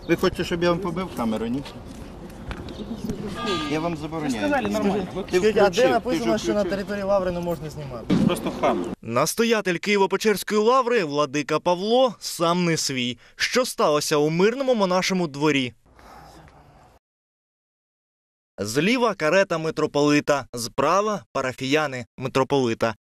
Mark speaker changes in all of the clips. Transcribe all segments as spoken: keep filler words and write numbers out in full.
Speaker 1: Ви хочете, щоб я вам побив камеру, ні? Я вам забороняю.
Speaker 2: А де написано, що на території Лаври не можна знімати?
Speaker 1: Просто хам.
Speaker 3: Настоятель Києво-Печерської лаври владика Павло сам не свій. Що сталося у мирному монашому дворі? Зліва карета митрополита, справа парафіяни митрополита.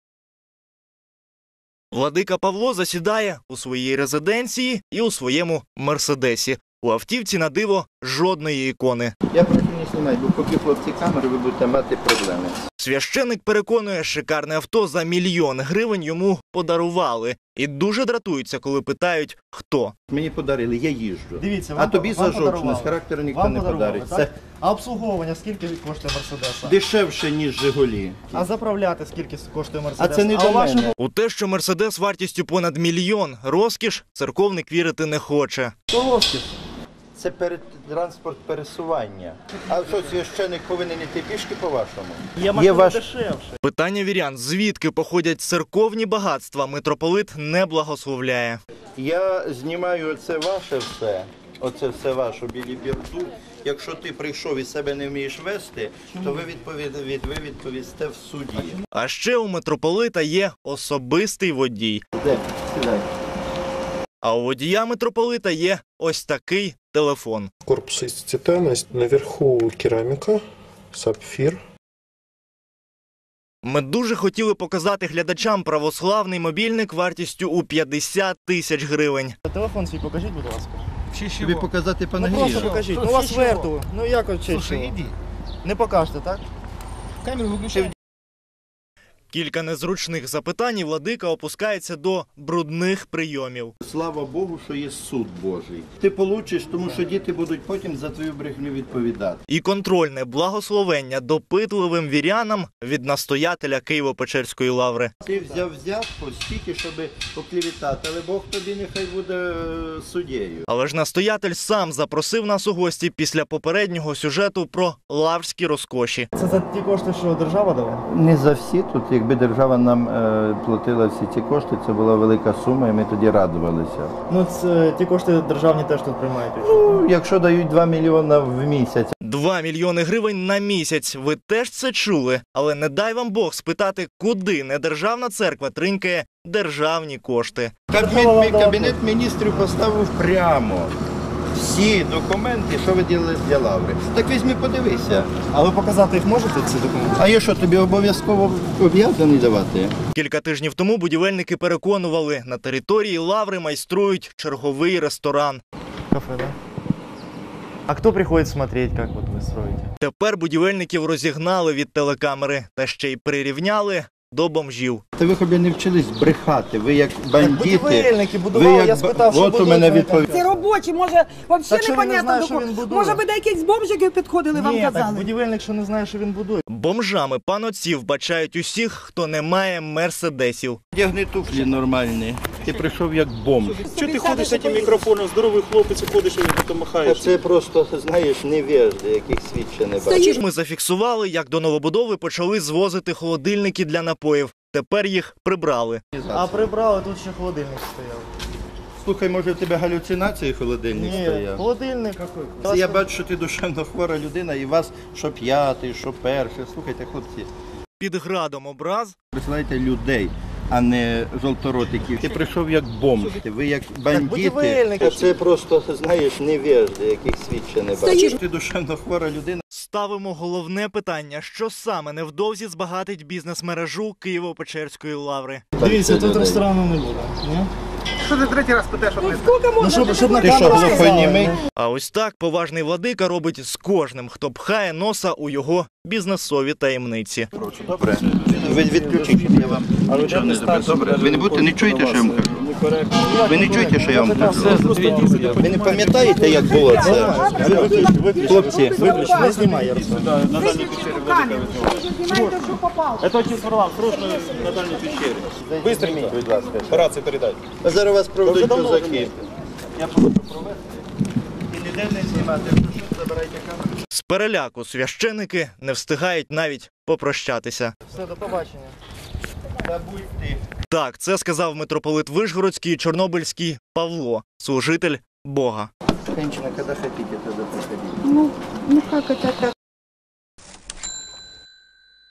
Speaker 3: Владика Павло засідає у своїй резиденції і у своєму мерседесі. У автівці на диво жодної ікони.
Speaker 1: Я прошу не знімати, бо поки хлопці камери, ви будете мати проблеми.
Speaker 3: Священик переконує, шикарне авто за мільйон гривень йому подарували. І дуже дратуються, коли питають, хто.
Speaker 1: Мені подарили, я їжджу.
Speaker 2: Дивіться,
Speaker 1: а тобі за жовчність, характеру ніхто
Speaker 2: вам
Speaker 1: не подарить.
Speaker 2: Це... А обслуговування скільки коштує Мерседеса?
Speaker 1: Дешевше, ніж Жигулі.
Speaker 2: А заправляти скільки коштує Мерседес?
Speaker 1: А це не
Speaker 2: а
Speaker 1: до
Speaker 2: вашому...
Speaker 1: мене.
Speaker 3: У те, що Мерседес вартістю понад мільйон розкіш, церковник вірити не хоче.
Speaker 2: То розкіш.
Speaker 1: Це перед транспорт пересування. А що, священик повинен йти пішки по-вашому?
Speaker 2: Є машина ваш... дешевше.
Speaker 3: Питання вірян, звідки походять церковні багатства, митрополит не благословляє.
Speaker 1: Я знімаю оце ваше все, оце все ваше білі бірду. Якщо ти прийшов і себе не вмієш вести, то ви, відповід... ви відповісте в суді.
Speaker 3: А ще у митрополита є особистий водій.
Speaker 1: Де? Сідай.
Speaker 3: А у водія митрополита є ось такий телефон.
Speaker 4: Корпус из титана, наверху керамика, сапфир.
Speaker 3: Ми дуже хотіли показати глядачам православний мобільник вартістю у п'ятдесят тисяч гривень.
Speaker 2: Телефон свій покажіть, будь ласка.
Speaker 1: Тобі показати
Speaker 2: Ну
Speaker 1: панагію?
Speaker 2: просто покажіть. Ну у вас верту. Ну як от чи що? Не покажете, так?
Speaker 1: Камеру виключай.
Speaker 3: Кілька незручних запитань і владика опускається до брудних прийомів.
Speaker 1: Слава Богу, що є суд Божий. Ти получиш, тому що діти будуть потім за твою брехню відповідати.
Speaker 3: І контрольне благословення допитливим вірянам від настоятеля Києво-Печерської лаври.
Speaker 1: Ти взяв взятку стільки, щоб поклівітати, але Бог тобі нехай буде суддєю.
Speaker 3: Але ж настоятель сам запросив нас у гості після попереднього сюжету про лаврські розкоші.
Speaker 2: Це за ті кошти, що держава дала?
Speaker 1: Не за всі тут. Якби держава нам е, платила всі ці кошти, це була велика сума, і ми тоді радувалися.
Speaker 2: Ну, це ті кошти державні теж тут приймають.
Speaker 1: Ну, якщо дають два мільйони в місяць.
Speaker 3: Два мільйони гривень на місяць. Ви теж це чули? Але не дай вам Бог спитати, куди недержавна церква тринькає державні кошти.
Speaker 1: Кабінет, кабінет міністрів поставив прямо всі документи, що ви робили для лаври. Так візьми, подивися.
Speaker 2: А ви показати їх можете, ці документи?
Speaker 1: А я що, тобі обов'язково об'язаний давати?
Speaker 3: Кілька тижнів тому будівельники переконували, на території лаври майструють черговий ресторан.
Speaker 2: Кафе, да? А хто приходить смотреть, як от ви строїте?
Speaker 3: Тепер будівельників розігнали від телекамери та ще й прирівняли до бомжів.
Speaker 1: Та ви хобі не вчились брехати, ви як бандити.
Speaker 2: Будівельники будували,
Speaker 1: як...
Speaker 2: я спитав, що
Speaker 1: От у мене відповідь.
Speaker 5: Це робочі, може, взагалі
Speaker 2: Так що він не
Speaker 5: непонятно
Speaker 2: знає,
Speaker 5: до
Speaker 2: що
Speaker 5: кого.
Speaker 2: він будує?
Speaker 5: Може, ви до якихось бомжиків підходили, вам
Speaker 2: Ні, так
Speaker 5: казали?
Speaker 2: будівельник, що не знає, що він будує.
Speaker 3: Бомжами панотців бачають усіх, хто не має мерседесів.
Speaker 1: Одягни туфлі нормальні. Ти прийшов як бомж.
Speaker 6: Чого ти ходиш з цим мікрофоном, здоровий хлопець, ходиш і потім
Speaker 1: А
Speaker 6: махаєш?
Speaker 1: це просто, знаєш, невежди, яких світ ще не бачив.
Speaker 3: Ми зафіксували, як до новобудови почали звозити холодильники для напоїв. Тепер їх прибрали.
Speaker 2: А прибрали, тут ще холодильник стояв.
Speaker 1: Слухай, може в тебе галюцинації холодильник
Speaker 2: Ні,
Speaker 1: стояв?
Speaker 2: холодильник.
Speaker 1: Це я бачу, що ти душевно хвора людина, і вас що п'ятий, що перший. Слухайте, хлопці,
Speaker 3: Під градом образ
Speaker 1: присилайте людей, а не жовторотиків. Ти прийшов як бомж, ви як бандити.
Speaker 2: будівельники.
Speaker 1: А це просто, знаєш, невежди, яких світ ще не бачив. Ти душевно хвора людина.
Speaker 3: ставимо головне питання, що саме невдовзі збагатить бізнес-мережу Києво-Печерської лаври.
Speaker 2: Дивіться, тут ресторану не буде. Ні?
Speaker 6: Що ти третій раз питаєш?
Speaker 5: Ну, скільки можна?
Speaker 2: Ну, щоб, щоб на
Speaker 1: Ти що,
Speaker 2: камеру
Speaker 1: глухонімий?
Speaker 2: сказали.
Speaker 3: А ось так поважний владика робить з кожним, хто пхає носа у його бізнесові таємниці.
Speaker 1: Добре. Ви відключіть, я вам нічого не зроблю. Добре. Ви не будете, не чуєте, що я вам кажу? Ви не чуєте, що я вам кажу? Ви не пам'ятаєте, як було це? Хлопці,
Speaker 2: Виключно, не знімай, Ярослав.
Speaker 6: На дальній печері велика.
Speaker 5: Знімайте, що попало.
Speaker 6: Это отец Варлам, срочно на дальній печері.
Speaker 1: быстренько, будь ласка.
Speaker 6: Рацію передай.
Speaker 1: А зараз вас проведуть козаки. Я прошу провести. І ніде не знімати. Прошу, забирайте камеру.
Speaker 3: З переляку священики не встигають навіть попрощатися.
Speaker 2: Все, до побачення.
Speaker 1: Забудь ти.
Speaker 3: Так, це сказав митрополит Вишгородський і Чорнобильський Павло, служитель Бога.
Speaker 1: Женщина, когда хотите, тогда приходите.
Speaker 5: Ну, ну как это так?